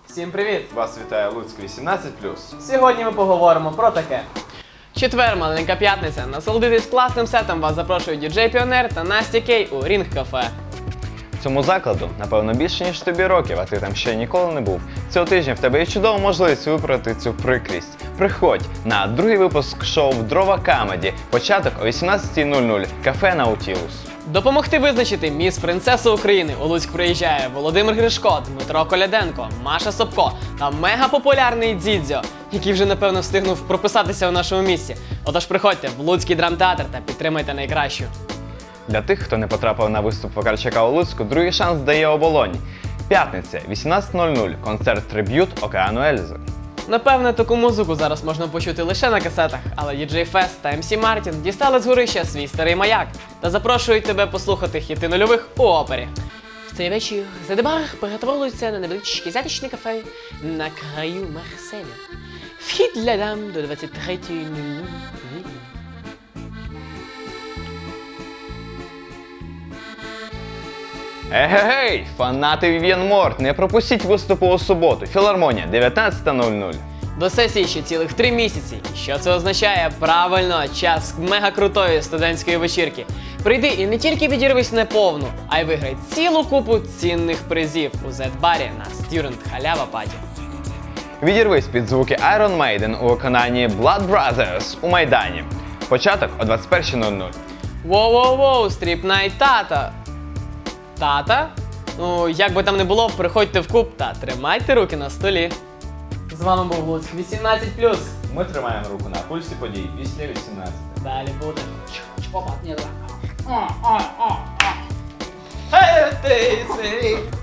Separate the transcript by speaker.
Speaker 1: Всім привіт!
Speaker 2: Вас вітає Луцьк 18+.
Speaker 1: Сьогодні ми поговоримо про таке. Четвер, маленька п'ятниця. Насолодитись класним сетом вас запрошують діджей Піонер та Настя Кей у Рінг Кафе.
Speaker 2: Цьому закладу, напевно, більше, ніж тобі років, а ти там ще ніколи не був. Цього тижня в тебе є чудова можливість виправити цю прикрість. Приходь на другий випуск шоу «Дрова Камеді». Початок о 18:00. Кафе Наутілус.
Speaker 1: Допомогти визначити міс Принцесу України у Луцьк приїжджає Володимир Гришко, Дмитро Коляденко, Маша Собко та мегапопулярний Дзідзьо, який вже, напевно, встигнув прописатися у нашому місті. Отож приходьте в Луцький драмтеатр та підтримайте найкращу.
Speaker 2: Для тих, хто не потрапив на виступ Вакарчука у Луцьку, другий шанс дає Оболонь. П'ятниця, 18:00. Концерт-триб'ют Океану Ельзи.
Speaker 1: Напевне, таку музику зараз можна почути лише на касетах, але DJ Fest та MC Мартін дістали з горища свій старий маяк та запрошують тебе послухати хіти нульових у опері. В цей вечір Задебар перетворюється на невеличке затишне кафе на краю Марселя. Вхід для дам до 23:00.
Speaker 2: Егегей! Фанати Вів'єн Морт! Не пропустіть виступу у суботу. Філармонія, 19:00.
Speaker 1: До сесії ще цілих 3 місяці. І що це означає? Правильно, час мегакрутої студентської вечірки. Прийди і не тільки відірвись неповну, а й виграй цілу купу цінних призів у Z-барі на Student Халява Паті.
Speaker 2: Відірвись під звуки Iron Maiden у виконанні Blood Brothers у Майдані. Початок о 21:00.
Speaker 1: Воу-воу-воу, стріп-найт тата. Тата? Ну, як би там не було, приходьте в клуб та тримайте руки на столі. З вами був Луцьк 18+.
Speaker 2: Ми тримаємо руку на пульсі подій після 18.
Speaker 1: Далі буде.
Speaker 3: Опа, ні, давай.
Speaker 1: Hey,